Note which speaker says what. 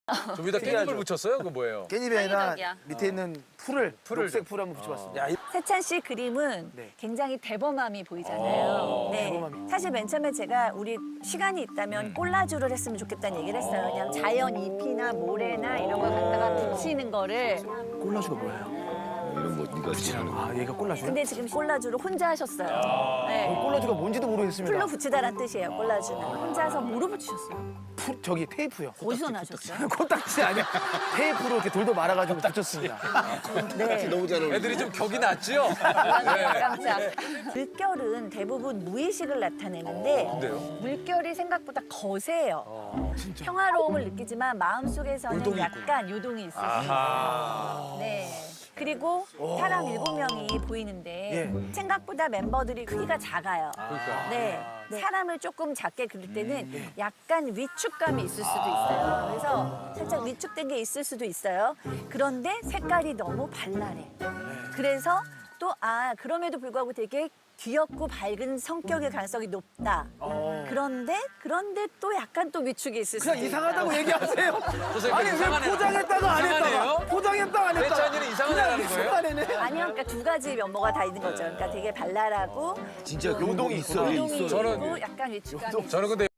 Speaker 1: 좀 위에다 깻잎을 붙였어요? 그거 뭐예요?
Speaker 2: 깻잎이 아니라
Speaker 3: 창의적이야.
Speaker 2: 밑에 있는 풀을 녹색 풀 한번 붙여봤습니다. 야,
Speaker 4: 세찬 씨 그림은
Speaker 2: 네.
Speaker 4: 굉장히 대범함이 보이잖아요. 네.
Speaker 2: 대범함이.
Speaker 4: 사실 맨 처음에 제가 우리 시간이 있다면 콜라주를 했으면 좋겠다는 얘기를 했어요. 그냥 자연 잎이나 모래나 이런 걸 갖다가 붙이는 거를.
Speaker 2: 콜라주가 뭐예요?
Speaker 5: 이런 거 네가 지나는 거.
Speaker 2: 아, 얘가 콜라주야?
Speaker 4: 근데 지금 콜라주를 혼자 하셨어요. 네.
Speaker 2: 콜라주가 뭔지도 모르겠습니다.
Speaker 4: 풀로 붙이다란 뜻이에요, 콜라주는. 혼자서 뭐로 붙이셨어요?
Speaker 2: 저기 테이프요.
Speaker 4: 어디서 나셨어요?
Speaker 2: 코딱지 아니야. 테이프로 이렇게 돌돌 말아가지고 붙였습니다.
Speaker 4: 네.
Speaker 5: 너무 잘 어울려.
Speaker 1: 애들이 좀 격이 낮지요?
Speaker 4: 깜짝. 물결은 대부분 무의식을 나타내는데
Speaker 1: 근데요?
Speaker 4: 물결이 생각보다 거세요. 평화로움을 느끼지만 마음속에서는 약간 요동이 있을 수 있어요. 네. 그리고 사람 7명이 보이는데 생각보다 멤버들이 크기가 작아요.
Speaker 1: 그러니까.
Speaker 4: 네. 사람을 조금 작게 그릴 때는 약간 위축감이 있을 수도 있어요. 그래서 살짝 위축된 게 있을 수도 있어요. 그런데 색깔이 너무 발랄해. 그래서 또 그럼에도 불구하고 되게 귀엽고 밝은 성격의 가능성이 높다. 그런데 또 약간 또 위축이 있을 수도
Speaker 2: 그냥
Speaker 4: 있다.
Speaker 2: 이상하다고 얘기하세요.
Speaker 1: 선생님,
Speaker 2: 아니 왜
Speaker 1: 이상하네요.
Speaker 2: 포장했다가 안
Speaker 1: 이상하네요?
Speaker 2: 했다가 포장했다가 안 했다가
Speaker 1: 세찬이는 이상한 애라는 거예요?
Speaker 2: 이상한 애네.
Speaker 4: 아니요, 그러니까 두 가지 면모가 다 있는 거죠. 그러니까 되게 발랄하고
Speaker 5: 진짜 요동이 있어.
Speaker 4: 요동이
Speaker 1: 저는-
Speaker 4: 있고 약간 위축감이 있고.
Speaker 1: 저는 근데